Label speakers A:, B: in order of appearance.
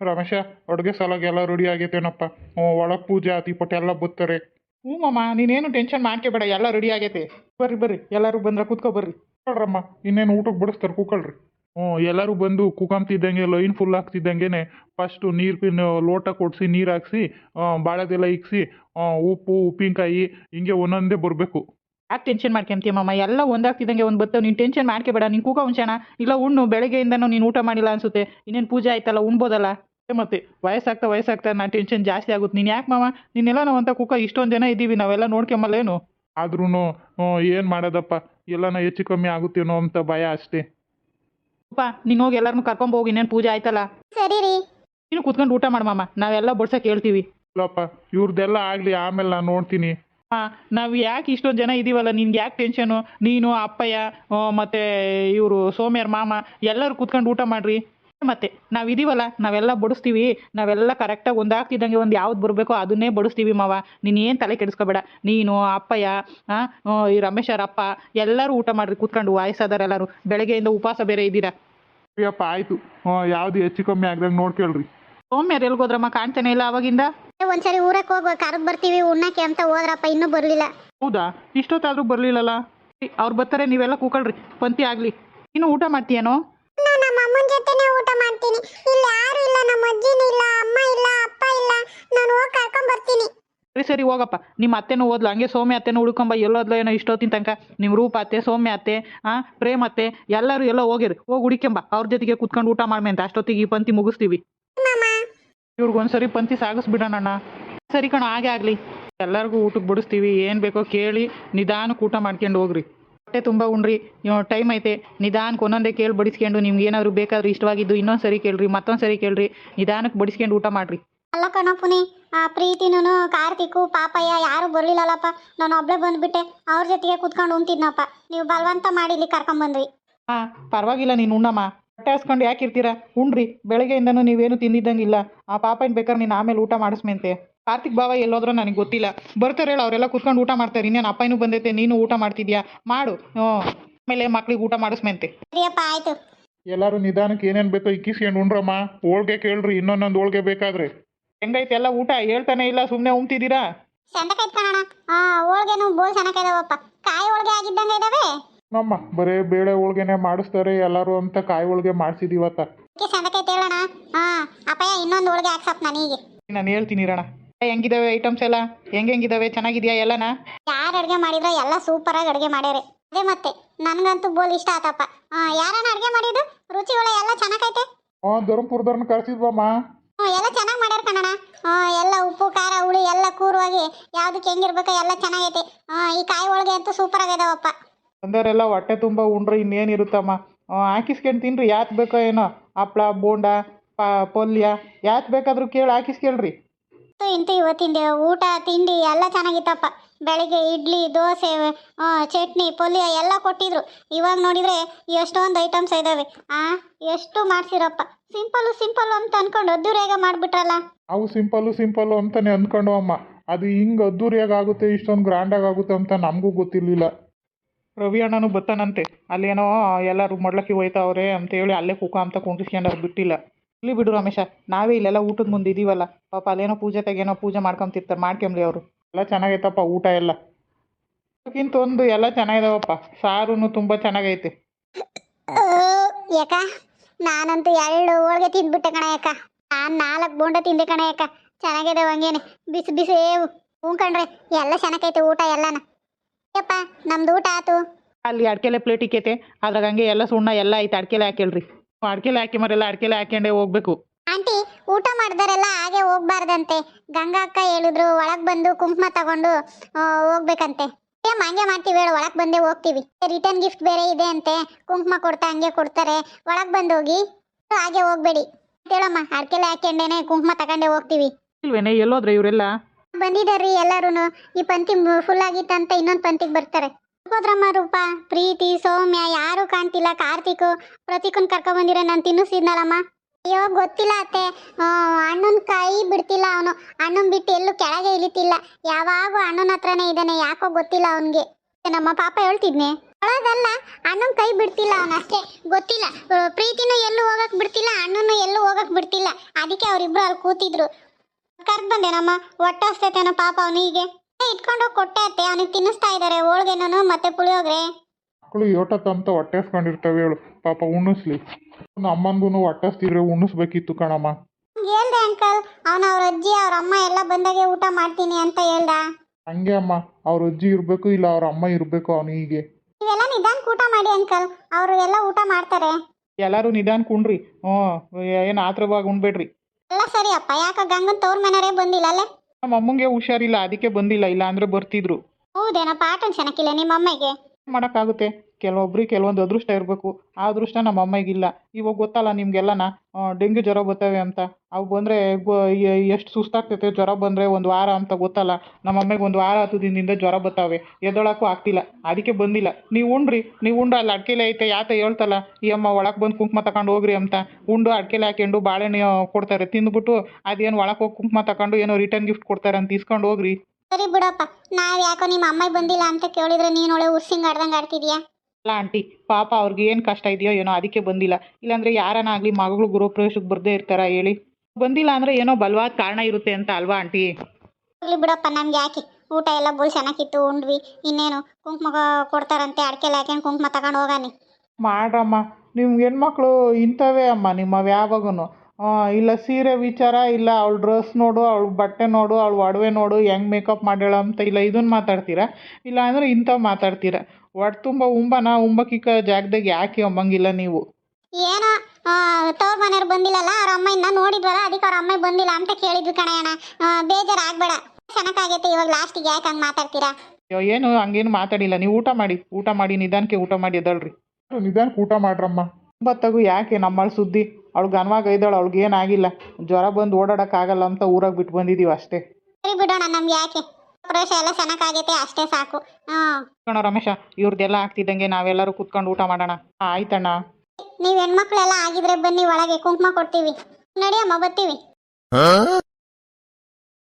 A: ರಮೇಶ, ಅಡುಗೆ ಸಲಾಗ ಎಲ್ಲ ರೆಡಿ ಆಗೈತೇನಪ್ಪ? ಒಳಗೆ ಪೂಜೆ ದೀಪಟ್ ಎಲ್ಲ ಬರ್ತಾರೆ.
B: ಹ್ಞೂ ಮಾಮ, ನೀನೇನು ಟೆನ್ಷನ್ ಮಾಡ್ಕೋಬೇಡ, ಎಲ್ಲ ರೆಡಿ ಆಗೈತೆ. ಬರ್ರಿ ಬರ್ರಿ, ಎಲ್ಲರೂ ಬಂದ್ರೆ ಕೂತ್ಕೊ ಬರ್ರಿ.
A: ಕೂಕಳ್ರಮ್ಮ, ಇನ್ನೇನು ಊಟಕ್ಕೆ ಬಡಿಸ್ತಾರೆ, ಕೂಕಳ್ರಿ. ಎಲ್ಲರೂ ಬಂದು ಕೂಕಂತಿದ್ದಂಗೆ ಲೈನ್ ಫುಲ್ ಆಗ್ತಿದ್ದಂಗೆ ಫಸ್ಟು ನೀರು ಲೋಟ ಕೊಡಿಸಿ ನೀರು ಹಾಕ್ಸಿ ಬಾಳೆದೆಲ್ಲ ಇಕ್ಸಿ ಉಪ್ಪು ಉಪ್ಪಿನಕಾಯಿ ಹಿಂಗೆ ಒಂದೊಂದೇ ಬರಬೇಕು.
B: ಯಾಕೆ ಟೆನ್ಷನ್ ಮಾಡ್ಕೊಂತೀಯ ಮಾಮ? ಎಲ್ಲ ಒಂದಾಗ್ತಿದ್ದಂಗೆ ಒಂದು ಬರ್ತವೆ, ನೀನು ಟೆನ್ಷನ್ ಮಾಡ್ಕೋಬೇಡ. ನೀನು ಕೂಕ ಉಂಚಣ ಇಲ್ಲ ಉಣ್ಣು, ಬೆಳಗ್ಗೆಯಿಂದನೂ ನೀನು ಊಟ ಮಾಡಿಲ್ಲ ಅನ್ಸುತ್ತೆ. ಇನ್ನೇನು ಪೂಜೆ ಆಯ್ತಲ್ಲ, ಉಣ್ಬೋದಲ್ಲ. ಮತ್ತೆ ವಯಸ್ಸಾಗ್ತಾ ನಾನು ಟೆನ್ಷನ್ ಜಾಸ್ತಿ ಆಗುತ್ತೆ. ನೀನು ಯಾಕೆ ಮಾಮ, ನೀನೆಲ್ಲ ನಾವು ಅಂತ ಕೂಕ ಇಷ್ಟೊಂದು ಜನ ಇದ್ದೀವಿ, ನಾವೆಲ್ಲ ನೋಡ್ಕೊಂಬಲ್ಲೇನು?
A: ಆದ್ರೂ ಏನು ಮಾಡೋದಪ್ಪ, ಎಲ್ಲನ ಹೆಚ್ಚು ಕಮ್ಮಿ ಆಗುತ್ತೇನೋ ಅಂತ ಭಯ ಅಷ್ಟೇ.
B: ಅಪ್ಪ ನೀನು ಹೋಗಿ ಎಲ್ಲರನ್ನೂ ಕರ್ಕೊಂಬೋಗಿ, ಇನ್ನೇನು ಪೂಜೆ ಆಯ್ತಲ್ಲ.
C: ಸರಿ ರೀ.
B: ನೀನು ಕೂತ್ಕೊಂಡು ಊಟ ಮಾಡು ಮಾಮ, ನಾವೆಲ್ಲ ಬಡ್ಸಕ್ಕೆ ಹೇಳ್ತೀವಿ.
A: ಇಲ್ಲಪ್ಪ, ಇವ್ರದ್ದೆಲ್ಲ ಆಗಲಿ, ಆಮೇಲೆ ನಾನು ನೋಡ್ತೀನಿ.
B: ಹಾಂ, ನಾವು ಯಾಕೆ ಇಷ್ಟೊಂದು ಜನ ಇದ್ದೀವಲ್ಲ, ನಿನ್ಗೆ ಯಾಕೆ ಟೆನ್ಷನು? ನೀನು ಅಪ್ಪಯ್ಯ ಮತ್ತು ಇವರು ಸೋಮ್ಯರ ಮಾಮ ಎಲ್ಲರೂ ಕೂತ್ಕೊಂಡು ಊಟ ಮಾಡಿರಿ. ಮತ್ತೆ ನಾವು ಇದೀವಲ್ಲ, ನಾವೆಲ್ಲ ಬಡಿಸ್ತೀವಿ. ನಾವೆಲ್ಲ ಕರೆಕ್ಟಾಗಿ ಒಂದಾಗ್ತಿದ್ದಂಗೆ ಒಂದು ಯಾವ್ದು ಬರಬೇಕೋ ಅದನ್ನೇ ಬಡಿಸ್ತೀವಿ ಮಾವ. ನೀನು ಏನು ತಲೆ ಕೆಡಿಸ್ಕೋಬೇಡ. ನೀನು ಅಪ್ಪಯ್ಯ ಈ ರಮೇಶರ ಅಪ್ಪ ಎಲ್ಲರೂ ಊಟ ಮಾಡಿರಿ ಕೂತ್ಕೊಂಡು, ವಯಸ್ಸಾದವರೆಲ್ಲರೂ. ಬೆಳಗ್ಗೆಯಿಂದ ಉಪವಾಸ ಬೇರೆ ಇದ್ದೀರಾ.
A: ಅಯ್ಯಪ್ಪ ಆಯಿತು, ಯಾವುದು ಹೆಚ್ಚು ಕಮ್ಮಿ ಆಗ್ದಂಗೆ ನೋಡ್ಕೇಳ್ರಿ.
B: ಸೌಮ್ಯರು ಎಲ್ಗೋದ್ರಮ್ಮ, ಕಾಣ್ತಾನೆ ಇಲ್ಲ ಅವಾಗಿಂದ.
C: ಒಂದ್ಸರಿ ಊರಕ್ಕೆ ಹೋಗುವ ಕರೆದು ಬರ್ತೀವಿ ಉಣ್ಣಕ್ಕೆ ಅಂತ ಹೋದ್ರಪ್ಪ, ಇನ್ನೂ ಬರಲಿಲ್ಲ.
B: ಹೌದಾ? ಇಷ್ಟೊತ್ತಾದರೂ ಬರಲಿಲ್ಲಲ್ಲ. ಅವ್ರು ಬರ್ತಾರೆ, ನೀವೆಲ್ಲ ಕೂಕಳ್ರಿ, ಪಂಕ್ತಿ ಆಗಲಿ. ನೀನು ಊಟ ಮಾಡ್ತೀಯನೋ?
C: ನಮ್ಮ ಅಮ್ಮನ ಜೊತೆನೇ ಊಟ ಮಾಡ್ತೀನಿ. ಇಲ್ಲಿ ಯಾರು ಇಲ್ಲ, ನಮ್ಮ ಅಜ್ಜಿನೂ ಇಲ್ಲ, ಅಮ್ಮ ಇಲ್ಲ, ಅಪ್ಪ ಇಲ್ಲ. ನಾನು ಹೋಗಿ ಕರ್ಕೊಂಡ್ ಬರ್ತೀನಿ.
B: ಸರಿ ಹೋಗಪ್ಪ. ನಿಮ್ಮ ಅತ್ತೆನೂ ಓದ್ಲು, ಹಂಗೆ ಸೌಮ್ಯ ಅತ್ತೆನೂ ಹುಡ್ಕೊಂಬ. ಎಲ್ಲೋದ್ಲು ಏನೋ ಇಷ್ಟೊತ್ತಿನ ತನಕ. ನಿಮ್ಮ ರೂಪ ಅತ್ತೆ, ಸೌಮ್ಯ ಅತ್ತೆ, ಪ್ರೇಮ್ ಅತ್ತೆ ಎಲ್ಲರೂ ಎಲ್ಲೋ ಹೋಗಿರಿ. ಹೋಗಿ ಹುಡುಕೊಂಬ, ಅವ್ರ ಜೊತೆಗೆ ಕುತ್ಕೊಂಡು ಊಟ ಮಾಡ್ಮೆ ಅಂತ. ಅಷ್ಟೊತ್ತಿಗೆ ಈ ಪಂಕ್ತಿ ಮುಗಿಸ್ತೀವಿ. ಇವ್ರಿಗೊಂದ್ಸರಿ ಪಂಕ್ತಿ ಸಾಗಿಸ್ಬಿಡೋಣ. ಸರಿ ಕಣ, ಹಾಗೆ ಆಗಲಿ. ಎಲ್ಲರಿಗೂ ಊಟಕ್ಕೆ ಬಡಿಸ್ತೀವಿ. ಏನು ಬೇಕೋ ಕೇಳಿ ನಿಧಾನಕ್ಕೆ ಊಟ ಮಾಡ್ಕೊಂಡು ಹೋಗ್ರಿ. ಹೊಟ್ಟೆ ತುಂಬ ಉಣ್ರಿ. ಟೈಮ್ ಐತೆ, ನಿಧಾನಕ್ಕೆ ಒಂದೊಂದೇ ಕೇಳಿ ಬಡಿಸ್ಕೊಂಡು, ನಿಮ್ಗೆ ಏನಾದ್ರು ಬೇಕಾದ್ರೂ ಇಷ್ಟವಾಗಿದ್ದು ಇನ್ನೊಂದು ಸರಿ ಕೇಳ್ರಿ, ಮತ್ತೊಂದು ಸರಿ ಕೇಳ್ರಿ. ನಿಧಾನಕ್ಕೆ ಬಡಿಸ್ಕೊಂಡು ಊಟ ಮಾಡಿರಿ.
C: ಅಲ್ಲ ಕಣೋ ಪುನಿ, ಪ್ರೀತಿನೂ ಕಾರ್ತಿಕು ಪಾಪಯ್ಯ ಯಾರು ಬರಲಿಲ್ಲಲ್ಲಪ್ಪ. ನಾನು ಒಬ್ಬಳೇ ಬಂದುಬಿಟ್ಟೆ. ಅವ್ರ ಜೊತೆಗೆ ಕುತ್ಕೊಂಡು ಉಣ್ತಿದ್ನಪ್ಪ. ನೀವು ಬಲವಂತ ಮಾಡಿ ಇಲ್ಲಿ ಕರ್ಕೊಂಬಂದ್ರಿ.
B: ಹಾಂ, ಪರವಾಗಿಲ್ಲ, ನೀನು ಉಣ್ಣಮ್ಮ. ಹೊಟ್ಟೆ ಹಾಸ್ಕೊಂಡು ಯಾಕೆ ಇರ್ತೀರಾ? ಉಣ್ರಿ. ಬೆಳಗ್ಗೆಯಿಂದನೂ ನೀವೇನು ತಿಂದಿದ್ದಂಗಿಲ್ಲ. ಆ ಪಾಪನ ಬೇಕಾದ್ರೆ ನೀನು ಆಮೇಲೆ ಊಟ ಮಾಡಿಸ್ಮೆಂತೆ. ಕಾರ್ತಿಕ್ ಬಾವ ಎಲ್ಲೋದ್ರೂ ನನಗೆ ಗೊತ್ತಿಲ್ಲ. ಬರ್ತಾರೆ ಹೇಳು, ಅವರೆಲ್ಲ ಕುತ್ಕೊಂಡು ಊಟ ಮಾಡ್ತಾರೆ. ಇನ್ನೇನು ಅಪ್ಪನೂ ಬಂದೈತೆ, ನೀನು ಊಟ ಮಾಡ್ತಿದ್ಯಾ? ಮಾಡು. ಆಮೇಲೆ ಮಕ್ಳಿಗೆ ಊಟ ಮಾಡಿಸ್ಮೆಂತೆ.
C: ಸರಿಯಪ್ಪ, ಆಯಿತು.
A: ಎಲ್ಲರೂ ನಿಧಾನಕ್ಕೆ ಏನೇನು ಬೇಕೋ ಇಕ್ಕಿಸ್ಕೊಂಡು ಉಣ್ರಮ್ಮ. ಹೋಳ್ಗೆ ಕೇಳ್ರಿ, ಇನ್ನೊಂದೊಂದು ಹೋಳ್ಗೆ ಬೇಕಾದ್ರೆ.
B: ಹೆಂಗೈತೆ ಎಲ್ಲ ಊಟ? ಹೇಳ್ತಾನೆ ಇಲ್ಲ, ಸುಮ್ಮನೆ ಉಣ್ತಿದ್ದೀರಾ?
C: ಚೆಂದಕೈತ್ ಕಣಣ. ಹೋಳ್ಗೆನೂ ಬೋಲ್ ಚೆನ್ನಾಗಿದಾವಪ್ಪ. ಕಾಯಿ ಹೋಳ್ಗೆ ಆಗಿದ್ದಂಗೆ ಇದಾವೆ.
A: ನಮ್ಮ ಬರೇ ಬೇಳೆ ಹೋಳ್ಗೆನೆ ಮಾಡಿಸ್ತಾರೆ ಎಲ್ಲರೂ ಅಂತ ಕಾಯಿ ಹೋಳ್ಗೆ ಮಾಡಿಸಿದೀವತ್ತ.
C: ಚೆಂದಕೈತೆ ಹೇಳೋಣ. ಅಪ್ಪಯ್ಯ ಇನ್ನೊಂದು ಹೋಳ್ಗೆ ಹಾಕ್ಸಪ್ಪ ನನಗೆ.
B: ನಾನು ಹೇಳ್ತೀನಿ ಇರೋಣ. ಹೆಂಗಿದಾವೆ ಐಟಮ್ಸ್ ಎಲ್ಲ? ಹೆಂಗಿದಾವೆ? ಚೆನ್ನಾಗಿದೆಯಾ ಎಲ್ಲನಾ?
C: ಯಾರು ಅಡುಗೆ ಮಾಡಿದ್ರೆ ಎಲ್ಲ ಸೂಪರಾಗಿ ಅಡುಗೆ ಮಾಡ್ಯಾರೆ. ಅದೇ ಮತ್ತೆ ನನಗಂತೂ ಬೋಲ್ ಇಷ್ಟ ಆತಪ್ಪ. ಯಾರನ್ನ ಅಡುಗೆ ಮಾಡಿದ್ದು? ರುಚಿಗಳು ಎಲ್ಲ ಚೆನ್ನಾಗೈತೆ.
A: ಧರ್ಮಪುರದವ್ರನ್ನ ಕಳ್ಸಿದ್ವಮ್ಮ.
C: ಎಲ್ಲ ಚೆನ್ನಾಗಿ ಮಾಡ್ಯಾರ ಕಣಣ. ಎಲ್ಲ ಉಪ್ಪು ಖಾರ ಹುಳಿ ಎಲ್ಲ ಕೂರುವಾಗಿ ಯಾವ್ದಕ್ಕೆ ಹೆಂಗಿರ್ಬೇಕು ಎಲ್ಲ ಚೆನ್ನಾಗೈತೆ. ಈ ಕಾಯಿ ಹೋಳ್ಗೆ ಅಂತೂ ಸೂಪರ್ ಆಗಿದಾವಪ್ಪ.
B: ಅಂದರೆಲ್ಲ ಹೊಟ್ಟೆ ತುಂಬ ಉಂಡ್ರೆ ಇನ್ನೇನಿರುತ್ತಮ್ಮ. ಹಾಕಿಸ್ಕೊಂಡು ತಿನ್ರಿ, ಯಾತ್ ಬೇಕೋ ಏನೋ. ಹಪ್ಳ, ಬೋಂಡ, ಪಲ್ಯ ಯಾತ್ ಬೇಕಾದ್ರೂ ಕೇಳಿ ಹಾಕಿಸ್ಕೇಳ್ರಿ.
C: ಇಂತೂ ಇವತ್ತಿಂದ ಊಟ ತಿಂಡಿ ಎಲ್ಲ ಚೆನ್ನಾಗಿತ್ತಪ್ಪ. ಬೆಳಿಗ್ಗೆ ಇಡ್ಲಿ, ದೋಸೆ, ಚಟ್ನಿ, ಪಲ್ಯ ಎಲ್ಲ ಕೊಟ್ಟಿದ್ರು. ಇವಾಗ ನೋಡಿದರೆ ಎಷ್ಟೊಂದು ಐಟಮ್ಸ್ ಇದ್ದಾವೆ. ಎಷ್ಟು ಮಾಡ್ಸಿರಪ್ಪ. ಸಿಂಪಲ್ಲು ಅಂತ ಅನ್ಕೊಂಡು ಅದ್ದೂರಿಯಾಗ ಮಾಡಿಬಿಟ್ರಲ್ಲ.
A: ಅವು ಸಿಂಪಲ್ಲು ಅಂತಾನೆ ಅಂದ್ಕೊಂಡು ಅಮ್ಮ. ಅದು ಹಿಂಗೆ ಅದ್ದೂರಿಯಾಗಿ ಆಗುತ್ತೆ, ಇಷ್ಟೊಂದು ಗ್ರ್ಯಾಂಡಾಗಿ ಆಗುತ್ತೆ ಅಂತ ನಮಗೂ ಗೊತ್ತಿರಲಿಲ್ಲ.
B: ರವಿ ಅಣ್ಣನೂ ಬತ್ತಾನಂತೆ. ಅಲ್ಲೇನೋ ಎಲ್ಲರೂ ಮೊಡ್ಲಕ್ಕಿ ಹೋಯ್ತಾವ್ರೆ ಅಂತೇಳಿ ಅಲ್ಲೇ ಕುಕ ಅಂತ ಕುಂಡಿಸ್ಕೊಂಡು ಅವ್ರು ಬಿಟ್ಟಿಲ್ಲ. ಇಲ್ಲಿ ಬಿಡು ರಮೇಶ, ನಾವೇ ಇಲ್ಲೆಲ್ಲ ಊಟದ ಮುಂದೆ ಇದೀವಲ್ಲ. ಪಾಪ ಅಲ್ಲೇನೋ ಪೂಜೆ ತೆಗೇನೋ ಪೂಜೆ ಮಾಡ್ಕೊಂತಿರ್ತಾರೆ, ಮಾಡ್ಕೊಂಬ್ಲಿ ಅವರು. ಎಲ್ಲ ಚೆನ್ನಾಗೈತಪ್ಪ ಊಟ ಎಲ್ಲ. ಅದಕ್ಕಿಂತ ಒಂದು ಎಲ್ಲ ಚೆನ್ನಾಗಿದಾವಪ್ಪ. ಸಾರೂ ತುಂಬ ಚೆನ್ನಾಗೈತೆ.
C: ಯಾಕ ನಾನಂತೂ 2 ಹೋಳ್ಗೆ ತಿಂದ್ಬಿಟ್ಟೆ ಕಣ ಯಾಕ. ನಾನು 4 ಬೋಂಡ ತಿಂದೆ ಕಣ ಯಾಕ. ಚೆನ್ನಾಗಿದಾವ ಹಂಗೇನೆ ಬಿಸಿ ಬಿಸಿ. ಹ್ಞೂ ಕಣ್ರೆ, ಎಲ್ಲ ಚೆನ್ನಾಗೈತೆ ಊಟ ಎಲ್ಲನ. ಯಪ್ಪ, ನಮ್ದು ಊಟ ಆತು.
B: ಅಲ್ಲಿ ಅಡ್ಕೆಲೆ ಪ್ಲೇಟ್ ಇಕ್ಕೈತೆ, ಅದ್ರಾಗ ಹಂಗೆ ಎಲ್ಲ ಸುಣ್ಣ ಎಲ್ಲ ಐತೆ. ಅಡ್ಕೆಲೆ ಹಾಕೇಳ್ರಿ. ಅಡ್ಕೆಲೆ ಹಾಕಿ ಮರೆಲ್ಲ ಅಡ್ಕೆಲೆ ಹಾಕ್ಯಂಡೇ ಹೋಗ್ಬೇಕು.
C: ಆಂಟಿ, ಊಟ ಮಾಡಿದರೆಲ್ಲ ಹಾಗೆ ಹೋಗ್ಬಾರ್ದಂತೆ. ಗಂಗಾ ಅಕ್ಕ ಹೇಳಿದ್ರು ಒಳಗೆ ಬಂದು ಕುಂಕುಮ ತಗೊಂಡು ಹೋಗ್ಬೇಕಂತೆ. ಹಂಗೆ ಮಾಡ್ತೀವಿ ಹೇಳು, ಒಳಗೆ ಬಂದೇ ಹೋಗ್ತೀವಿ. ರಿಟರ್ನ್ ಗಿಫ್ಟ್ ಬೇರೆ ಇದೆ ಅಂತೆ. ಕುಂಕುಮ ಕೊಡ್ತಾ ಹಂಗೆ ಕೊಡ್ತಾರೆ. ಒಳಗೆ ಬಂದು ಹೋಗಿ, ಹಾಗೆ ಹೋಗ್ಬೇಡಿ ಹೇಳಮ್ಮ. ಅಡ್ಕೆಲೆ ಹಾಕ್ಯಂಡೇನೆ ಕುಂಕುಮ ತಗೊಂಡೇ ಹೋಗ್ತೀವಿ.
B: ಇಲ್ವೇನೆ? ಎಲ್ಲೋದ್ರೆ ಇವರೆಲ್ಲ?
C: ಬಂದಿದ್ದಾರ್ರಿ ಎಲ್ಲರೂ. ಈ ಪಂಕ್ತಿ ಫುಲ್ ಆಗಿತ್ತಂತ ಇನ್ನೊಂದು ಪಂಕ್ತಿಗೆ ಬರ್ತಾರೆ. ಹೋದ್ರಮ್ಮ ರೂಪ, ಪ್ರೀತಿ, ಸೌಮ್ಯ ಯಾರೂ ಕಾಣ್ತಿಲ್ಲ. ಕಾರ್ತಿಕ್ ಪ್ರತೀಕನ್ ಕರ್ಕೊಂಡ್ಬಂದಿರೋ ನಾನು ತಿನ್ನಿಸಿದ್ನಲ್ಲಮ್ಮ. ಅಯ್ಯೋ ಗೊತ್ತಿಲ್ಲ ಅತ್ತೆ. ಅಣ್ಣನ ಕೈ ಬಿಡ್ತಿಲ್ಲ ಅವನು. ಅಣ್ಣನ ಬಿಟ್ಟು ಎಲ್ಲೂ ಕೆಳಗೆ ಇಳಿತಿಲ್ಲ. ಯಾವಾಗೂ ಅಣ್ಣನ ಹತ್ರನೇ ಇದ್ದಾನೆ. ಯಾಕೋ ಗೊತ್ತಿಲ್ಲ ಅವನಿಗೆ. ನಮ್ಮ ಪಾಪ ಹೇಳ್ತಿದ್ನೆ. ಒಳಗಲ್ಲ ಅಣ್ಣನ ಕೈ ಬಿಡ್ತಿಲ್ಲ ಅವನಷ್ಟೇ ಗೊತ್ತಿಲ್ಲ ಪ್ರೀತಿನೂ ಎಲ್ಲೂ ಹೋಗಕ್ ಬಿಡ್ತಿಲ್ಲ ಅಣ್ಣನೂ ಎಲ್ಲೂ ಹೋಗಕ್ ಬಿಡ್ತಿಲ್ಲ ಅದಕ್ಕೆ ಅವರಿಬ್ರು ಅಲ್ಲಿ ಕೂತಿದ್ರು ಕರ್ದ್ ಬಂದೇನಮ್ಮ ಹೊಟ್ಟೆ ಹಸ್ತೈತೇನೋ ಪಾಪ ಅವನಿಗೆ ಇಟ್ಕೊಂಡು ಹೋಗಿ ಕೊಟ್ಟೆ ಅತ್ತೆ ಅವನಿಗೆ ತಿನ್ನಿಸ್ತಾ ಇದ್ದಾರೆ ಹೋಳ್ಗೆನೂ ಮತ್ತೆ ಪುಳಿಯೋಗ್ರೆ.
A: ಮಕ್ಕಳು ಯೋಟತ್ತಂತ ಹೊಟ್ಟೆಸ್ಕೊಂಡಿರ್ತವೆ ಹೇಳು ಪಾಪ ಉಣ್ಣಿಸ್ಲಿ. ಅಮ್ಮನಿಗೂ ಹೊಟ್ಟೆಸ್ತಿದ್ರೆ ಉಣ್ಣಿಸ್ಬೇಕಿತ್ತು ಕಣಮ್ಮ.
C: ಹೇಳ್ದೆ ಅಂಕಲ್ ಅವನ ಅವ್ರ ಅಜ್ಜಿ ಅವ್ರ ಅಮ್ಮ ಎಲ್ಲ ಬಂದಾಗೆ ಊಟ ಮಾಡ್ತೀನಿ ಅಂತ ಹೇಳ್ದ.
A: ಹಂಗೆ ಅಮ್ಮ, ಅವ್ರ ಅಜ್ಜಿ ಇರಬೇಕು ಇಲ್ಲ ಅವ್ರ ಅಮ್ಮ ಇರಬೇಕು ಅವನಿಗೆ.
C: ನೀವೆಲ್ಲ ನಿಧಾನಕ್ಕೆ ಊಟ ಮಾಡಿ ಅಂಕಲ್ ಅವರು ಎಲ್ಲ ಊಟ ಮಾಡ್ತಾರೆ.
B: ಎಲ್ಲರೂ ನಿಧಾನ ಕುಣ್ರಿ. ಏನು ಆತ್ರವಾಗಿ ಉಣ್ಬೇಡ್ರಿ.
C: ಎಲ್ಲ ಸರಿ ಅಪ್ಪ ಯಾಕ ಗಂಗನ್ ತವ್ರ ಮನೆಯವರೇ ಬಂದಿಲ್ಲ ಅಲ್ಲೇ?
B: ನಮ್ಮ ಅಮ್ಮಂಗೆ ಹುಷಾರಿಲ್ಲ ಅದಕ್ಕೆ ಬಂದಿಲ್ಲ, ಇಲ್ಲ ಅಂದರೆ ಬರ್ತಿದ್ರು.
C: ಹೌದೇನೋ ಪಾಠನ್ ಚೆನ್ನಾಗಿಲ್ಲ ನಿಮ್ಮ ಅಮ್ಮಗೆ.
B: ಮಾಡೋಕ್ಕಾಗುತ್ತೆ, ಕೆಲವೊಬ್ರಿಗೆ ಕೆಲವೊಂದು ಅದೃಷ್ಟ ಇರಬೇಕು. ಆ ಅದೃಷ್ಟ ನಮ್ಮ ಅಮ್ಮಗಿಲ್ಲ. ಇವಾಗ ಗೊತ್ತಲ್ಲ ನಿಮಗೆಲ್ಲನ ಡೆಂಗ್ಯೂ ಜ್ವರ ಬರ್ತವೆ ಅಂತ. ಅವು ಬಂದರೆ ಎಷ್ಟು ಸುಸ್ತಾಗ್ತೈತೆ ಜ್ವರ ಬಂದರೆ ಒಂದು ವಾರ ಅಂತ ಗೊತ್ತಲ್ಲ. ನಮ್ಮ ಅಮ್ಮಗೆ ಒಂದು ವಾರ 10 ದಿನದಿಂದ ಜ್ವರ ಬರ್ತವೆ, ಎದ್ದೊಳಕ್ಕೂ ಆಗ್ತಿಲ್ಲ, ಅದಕ್ಕೆ ಬಂದಿಲ್ಲ. ನೀವು ಉಣ್ರಿ, ನೀವು ಉಂಡು ಅಲ್ಲಿ ಅಡ್ಕೆಲೆ ಐತೆ ಯಾತ ಹೇಳ್ತಲ್ಲ ಈ ಅಮ್ಮ ಒಳಗೆ ಬಂದು ಕುಂಕುಮ ತಗೊಂಡು ಹೋಗ್ರಿ ಅಂತ. ಉಂಡು ಅಡ್ಕೆಲೆ ಹಾಕೊಂಡು ಬಾಳೆಹಣ್ಣು ಕೊಡ್ತಾರೆ, ತಿಂದ್ಬಿಟ್ಟು ಅದೇನು ಒಳಗೆ ಹೋಗಿ ಕುಂಕುಮ ತಗೊಂಡು ಏನೋ ರಿಟರ್ನ್ ಗಿಫ್ಟ್ ಕೊಡ್ತಾರೆ ಅಂತ ಇಸ್ಕೊಂಡು ಹೋಗ್ರಿ.
C: ಸರಿ ಬಿಡಪ್ಪ, ನಾವ್ ಯಾಕೋ ನಿಮ್ಮ ಅಮ್ಮ ಬಂದಿಲ್ಲ ಅಂತ ಕೇಳಿದ್ರೆ ನೀನು ಒಳ್ಳೆ ಉರ್ಸಿಂಗ್ ಆಡ್ದಂಗೆ ಆಡ್ತಿದ್ಯಾ.
B: ಅಲ್ಲ ಆಂಟಿ, ಪಾಪ ಅವ್ರಿಗೆ ಏನು ಕಷ್ಟ ಇದೆಯೋ ಏನೋ ಅದಕ್ಕೆ ಬಂದಿಲ್ಲ. ಇಲ್ಲಾಂದರೆ ಯಾರನ್ನಾಗಲಿ ಮಗಳು ಗೃಹಪ್ರವೇಶಕ್ಕೆ ಬರದೇ ಇರ್ತಾರಾ ಹೇಳಿ? ಬಂದಿಲ್ಲ ಅಂದರೆ ಏನೋ ಬಲವಾದ ಕಾರಣ ಇರುತ್ತೆ ಅಂತ ಅಲ್ವಾ ಆಂಟಿ?
C: ಹೋಗ್ಲಿ ಬಿಡಪ್ಪ, ನಮ್ಗೆ ಯಾಕೆ ಊಟ ಎಲ್ಲ ಬುಲ್ ಚೆನ್ನಾಗಿತ್ತು ಉಂಡ್ವಿ. ಇನ್ನೇನು ಕುಂಕುಮ ಕೊಡ್ತಾರಂತೆ ಅಡ್ಕೆಲೆ ಹಾಕೊಂಡು ಕುಂಕುಮ ತಗೊಂಡು ಹೋಗಾನಿ.
B: ಮಾಡ್ರಮ್ಮ, ನಿಮ್ಮ ಹೆಣ್ಮಕ್ಳು ಇಂಥವೇ ಅಮ್ಮ ನಿಮ್ಮವು ಯಾವಾಗೂ. ಇಲ್ಲ ಸೀರೆ ವಿಚಾರ, ಇಲ್ಲ ಅವಳ ಡ್ರೆಸ್ ನೋಡು, ಅವಳ ಬಟ್ಟೆ ನೋಡು, ಅವಳ ಒಡವೆ ನೋಡು, ಹೆಂಗೆ ಮೇಕಪ್ ಮಾಡ್ಯಾಳ ಅಂತ ಇಲ್ಲ ಇದನ್ನು ಮಾತಾಡ್ತೀರಾ, ಇಲ್ಲ ಅಂದರೆ ಇಂಥವು ಮಾತಾಡ್ತೀರಾ. ಒಟ್ಟು ತುಂಬ ಉಂಬಕ್ಕಿಕ್ಕ ಜಾಗದಾಗ ಯಾಕೆ ಅಮ್ಮಂಗಿಲ್ಲ ನೀವು?
C: ಏನೋ ತವ್ರ ಮನೆಯವ್ರು ಬಂದಿಲ್ಲಲ್ಲ ಅವ್ರ ಅಮ್ಮ ಇನ್ನ ನೋಡಿದ್ವಲ್ಲ ಅದಕ್ಕೆ ಅವ್ರ ಅಮ್ಮ ಬಂದಿಲ್ಲ ಅಂತ ಕೇಳಿದ್ವಿ ಕಣಯ್ಯಣ. ಬೇಜಾರಾಗ್ಬೇಡ, ಚೆನ್ನಾಗಾಗೈತೆ. ಇವಾಗ ಲಾಸ್ಟಿಗೆ ಯಾಕೆ ಹಂಗೆ ಮಾತಾಡ್ತೀರಾ?
B: ಅಯ್ಯೋ ಏನು ಹಂಗೇನು ಮಾತಾಡಿಲ್ಲ. ನೀವು ಊಟ ಮಾಡಿ ನಿಧಾನಕ್ಕೆ ಊಟ ಮಾಡಿ ಎದಳ್ರಿ.
A: ನಿಧಾನಕ್ಕೆ ಊಟ ಮಾಡ್ರಮ್ಮ.
B: ಬತ್ತಾಗು ಯಾಕೆ ನಮ್ಮಳ ಸುದ್ದಿ, ಅವಳು ಗನ್ವಾಗ ಇದ್ದಾಳು, ಅವ್ಳಿಗೆ ಏನಾಗಿಲ್ಲ. ಜ್ವರ ಬಂದು ಓಡಾಡೋಕ್ಕಾಗಲ್ಲ ಅಂತ ಊರಾಗ ಬಿಟ್ಟು ಬಂದಿದ್ದೀವಿ ಅಷ್ಟೇ.
C: ಸರಿ ಬಿಡೋಣ, ನಮ್ಗೆ ಯಾಕೆ ಪ್ರವೇಶ ಎಲ್ಲ ಚೆನ್ನಾಗಾಗೈತೆ ಅಷ್ಟೇ ಸಾಕು.
B: ಕಣೋ ರಮೇಶ, ಇವ್ರದ್ದೆಲ್ಲ ಆಗ್ತಿದ್ದಂಗೆ ನಾವೆಲ್ಲರೂ ಕುತ್ಕೊಂಡು ಊಟ ಮಾಡೋಣ. ಆಯ್ತಣ್ಣ.
C: ನೀವು ಹೆಣ್ಮಕ್ಳೆಲ್ಲ ಆಗಿದ್ರೆ ಬನ್ನಿ ಒಳಗೆ ಕುಂಕುಮ ಕೊಡ್ತೀವಿ. ನಡಿಯಮ್ಮ ಬರ್ತೀವಿ.